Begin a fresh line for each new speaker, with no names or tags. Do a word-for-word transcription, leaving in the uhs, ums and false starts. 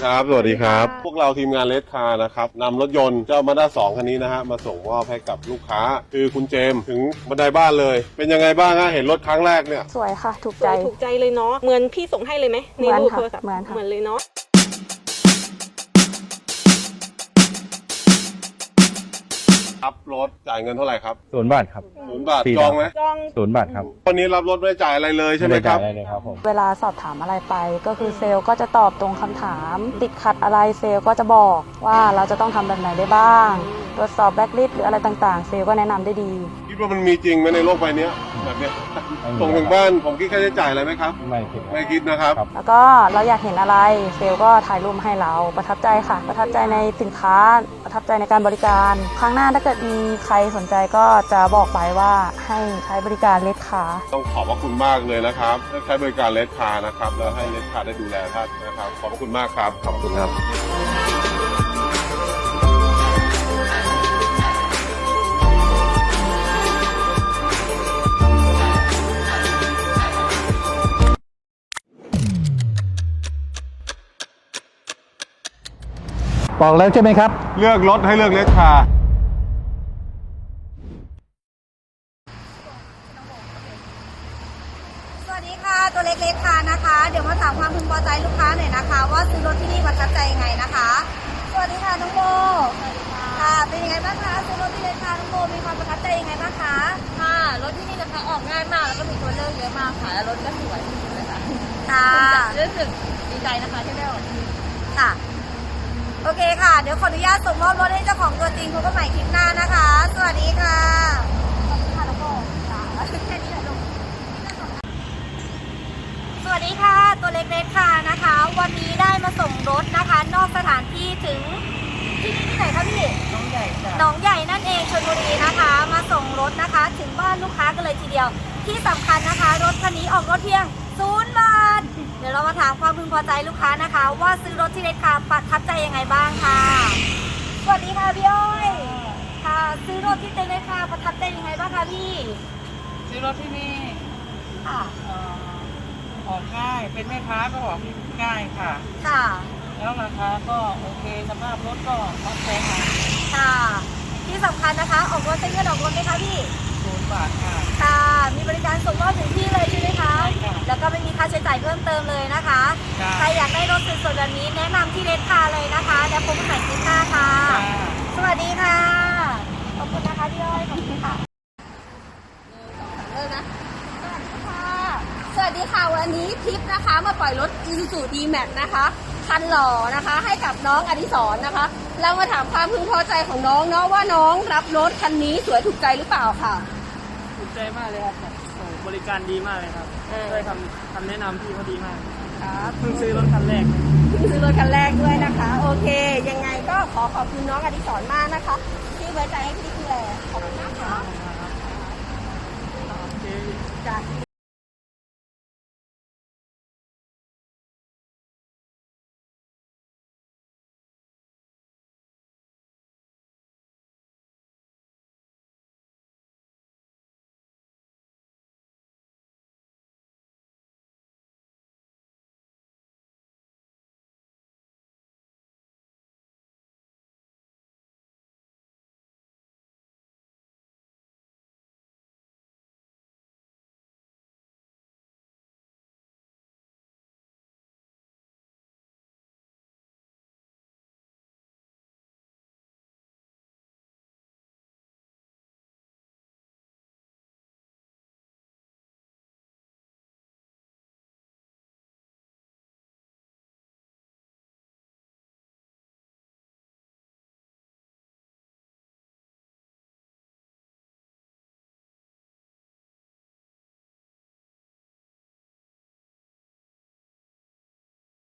ครับสวัสดีครับพวกเราทีมงานเลสคาร์นะครับนำรถยนต์เจ้ามาด้าสองคันนี้นะฮะมาส่งมอบให้กับลูกค้าคือคุณเจมส์ถึงบันไดบ้านเลยเป็นยังไงบ้างฮะเห็นรถครั้งแรกเนี่ย
สวยค่ะถูก
ใจ
ใจ
ถูกใจเลยเนาะเหมือนพี่ส่งให้เลยไหมในรูปโทรศัพท์
เหมือนค่ะ
เหมือนเลยเนาะ
รับรถจ่ายเงินเท่าไหร่ครับ
ศูนย์บาทครับ
ศูนย์บาทจองไหม
จอง
ศูนย์บาทครับ
วันนี้รับรถไม่ได้จ่ายอะไรเลยใช่ไหมครับ
ด้เลยครับผม
เวลาสอบถามอะไรไปก็คือเซลล์ก็จะตอบตรงคำถาม ติดขัดอะไรเซลล์ก็จะบอกว่าเราจะต้องทำแบบไหนได้บ้างตรวจสอบแบ็คลิสต์หรืออะไรต่างๆ เซลล์ก็แนะนำได้ดี
คิดว่ามันมีจริงไหมในโลกใบนี้แบบเนี้ยส่งถึงบ้านผมคิดค่าใช้จ่ายอะไรไหมครับ
ไม่คิดครับ
ไม่คิดนะครับ
แล้วก็เราอยากเห็นอะไรเซลล์ก็ถ่ายรูปให้เราประทับใจค่ะ ประทับใจในสินค้าประทับใจในการบริการครั้งหน้าถ้าเกิดมีใครสนใจก็จะบอกไปว่าให้ใช้บริการเลสคาร์
ต้องขอบพระคุณมากเลยนะครับได้ใช้บริการเลสคาร์นะครับแล้วให้เลสคาร์ได้ดูแลท่านนะครับขอบพระคุณมากครับขอบคุณครับ
บอกแล้วใช่ไหมครับ
เลือกรถให้เลือกเลสคาร์
สวัสดีค่ะตัวเล็กๆค่ะนะคะเดี๋ยวมาถามความพึงพอใจลูกค้าหน่อยนะคะว่าซื้อรถที่นี่ประทับใจยังไงนะคะสวัสดีค่ะน้องโบค่ะเป็นยังไงบ้างคะซื้อรถที่เลคาน้องโบมีความประทับใจยังไงบ้างคะ
ค่ะรถที่นี่นะคะออกง่ายมากแล้วก็มีตัวเลือกเยอะมากค่ะแล้วรถก็สวยที่สุดเลยค่ะ
ค่ะ
รู้สึกดีใจนะคะที่ได้ออกที่นี่
ค่ะโอเคค่ะเดี๋ยวขออนุญาตส่งมอบรถให้เจ้าของตัวจริงพบกันใหม่คลิปหน้านะคะ สวัสดีค่ะขอบคุณค่ะน้องโบค่ะแค่นี้แหละลูกสวัสดีค่ะตัวเล็กๆค่ะนะคะ วันนี้ได้มาส่งรถนะคะนอกสถานที่ถึงที่นี่ที่ไหนคะพี่หนองใหญ่หนองใหญ่นั่นเองชลบุรีนะคะ มาส่งรถนะคะ ถึงบ้านลูกค้ากันเลยทีเดียวที่สำคัญนะคะ รถคันนี้ออกรถเพียงศูนย์บาทเดี๋ยวเรามาถามความพึงพอใจลูกค้านะคะ ว่าซื้อรถที่เลสคาร์ประทับใจยังไงบ้างค่ะสวัสดีค่ะพี่อ้อยค่ะซื้อรถที่เลสคาร์ประทับใจยังไงบ้างคะพี่
ซื้อรถที่นี่
ค่ะ
เอ่อออกง่ายเป็นแม่ค้าก็ออกง่ายค่ะ
ค่ะ
แล้วราคาก็โอเคสภาพรถก็พอใจค่ะ
ค่ะ ที่สำคัญนะคะ ออกรถใช้เงินออกรถไหมคะพี่
ศูนย์บาทค่ะ
ค่ะ มีบริการส่งมอบถึงที่เลยใช่ไหมคะ
ใช่ค่ะ
แล้วก็ไม่มีค่าใช้จ่ายเพิ่มเติมเลยนะคะ
ค่ะ
ใครอยากได้รถสวยๆแบบนี้แนะนำที่เลสคาร์เลยนะคะ แล้วพบกันใหม่คลิปหน้าค่ะ
ค่ะ
สวัสดีค่ะ ขอบคุณนะคะพี่อ้อย ขอบคุณค่ะเริ่มนะ สวัสดีค่ะ สวัสดีค่ะ วันนี้ทิปนะคะมาปล่อยรถ Isuzu D-Max นะคะคันหล่อนะคะให้กับน้องอดิศรนะคะ เรามาถามความพึงพอใจของน้องเนาะว่าน้องรับรถคันนี้สวยถูกใจหรือเปล่าค่ะ
ถูกใจมากเลยครับโอ้บริการดีมากเลยครับ
เออ
ช่วยคำคำแนะนำพี่เขาดีมาก
ครับ
เพิ่งซื้อรถคันแรก
เพิ่งซื้อรถคันแรกด้วยนะคะ โอเค ยังไงก็ขอขอบคุณน้องอดิศรมากนะคะ ที่ไว้ใจให้พี่ดูแลขอบคุณมากค่ะ
โอเค
จ้ะ